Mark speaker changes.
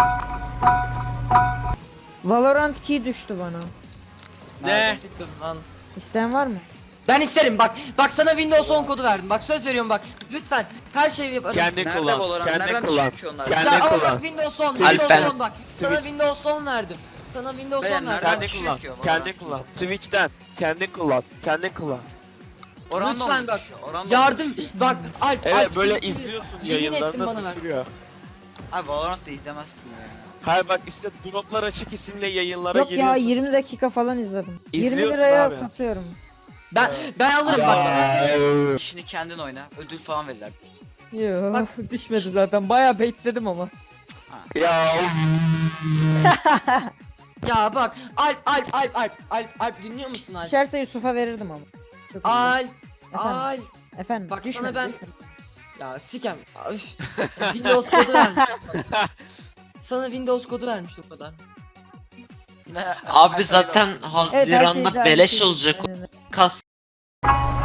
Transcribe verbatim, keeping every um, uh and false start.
Speaker 1: Valorant key düştü bana.
Speaker 2: Ne?
Speaker 3: Siktir lan.
Speaker 1: İsteyen var mı?
Speaker 3: Ben isterim bak. Bak sana Windows on kodu verdim. Bak söz veriyorum bak. Lütfen her şeyi yaparım.
Speaker 2: Kendin
Speaker 4: Nerede
Speaker 2: kullan.
Speaker 4: Valorant?
Speaker 2: Kendin
Speaker 4: Nereden
Speaker 2: kullan.
Speaker 4: düşüyor onlar?
Speaker 2: Kendin
Speaker 3: Ya ama
Speaker 2: kullan.
Speaker 3: bak Windows on,
Speaker 2: Twitch.
Speaker 3: Windows
Speaker 2: Alper.
Speaker 3: on bak. Sana
Speaker 2: Twitch.
Speaker 3: Windows on verdim. Sana Windows
Speaker 4: Beyler,
Speaker 3: on verdim.
Speaker 4: nereden
Speaker 2: Kendin
Speaker 4: düşüyor
Speaker 2: kullan.
Speaker 4: ki o
Speaker 2: Kendin
Speaker 4: Valorant?
Speaker 2: kullan. Twitch'ten. Kendin kullan. Kendin kullan.
Speaker 4: Oranda
Speaker 3: Lütfen
Speaker 4: mı
Speaker 3: bak.
Speaker 4: düşüyor? Oranda mı
Speaker 3: Yardım
Speaker 4: düşüyor?
Speaker 3: bak. Alp,
Speaker 2: Evet
Speaker 3: Alp,
Speaker 2: böyle
Speaker 3: siktir.
Speaker 2: izliyorsun
Speaker 3: Yemin ettim
Speaker 2: yayınlarını
Speaker 3: bana ver.
Speaker 2: düşürüyor.
Speaker 4: Abi Valorant'ta izlemezsin ya.
Speaker 2: Hayır bak işte Droplar Açık isimle yayınlara
Speaker 1: Yok ya
Speaker 2: giriyorsun.
Speaker 1: yirmi dakika falan izledim. yirmi
Speaker 2: İzliyorsun
Speaker 1: liraya
Speaker 2: abi.
Speaker 1: satıyorum.
Speaker 3: Ben ben alırım bak.
Speaker 4: İşini kendin oyna. Ödül falan verirler.
Speaker 1: Yok
Speaker 3: Bak.
Speaker 1: düşmedi zaten. Bayağı bekledim ama.
Speaker 2: Ya
Speaker 3: Ya bak. Alp Alp Alp Alp Alp Alp dinliyor musun Alp?
Speaker 1: Düşerse Yusuf'a verirdim ama. Çok iyi.
Speaker 3: Alp
Speaker 1: Efendim,
Speaker 3: Alp.
Speaker 1: efendim.
Speaker 3: Bak
Speaker 1: düşmedi,
Speaker 3: sana ben-
Speaker 1: düşmedi.
Speaker 3: Ya sikem. Üf. Windows kodu vermiş. Sana Windows kodu vermiş o kadar.
Speaker 5: Abi zaten
Speaker 1: Evet, her şey
Speaker 5: Haziran'da
Speaker 1: daha
Speaker 5: beleş
Speaker 1: iyi.
Speaker 5: olacak.
Speaker 1: Aynen öyle.
Speaker 5: Kas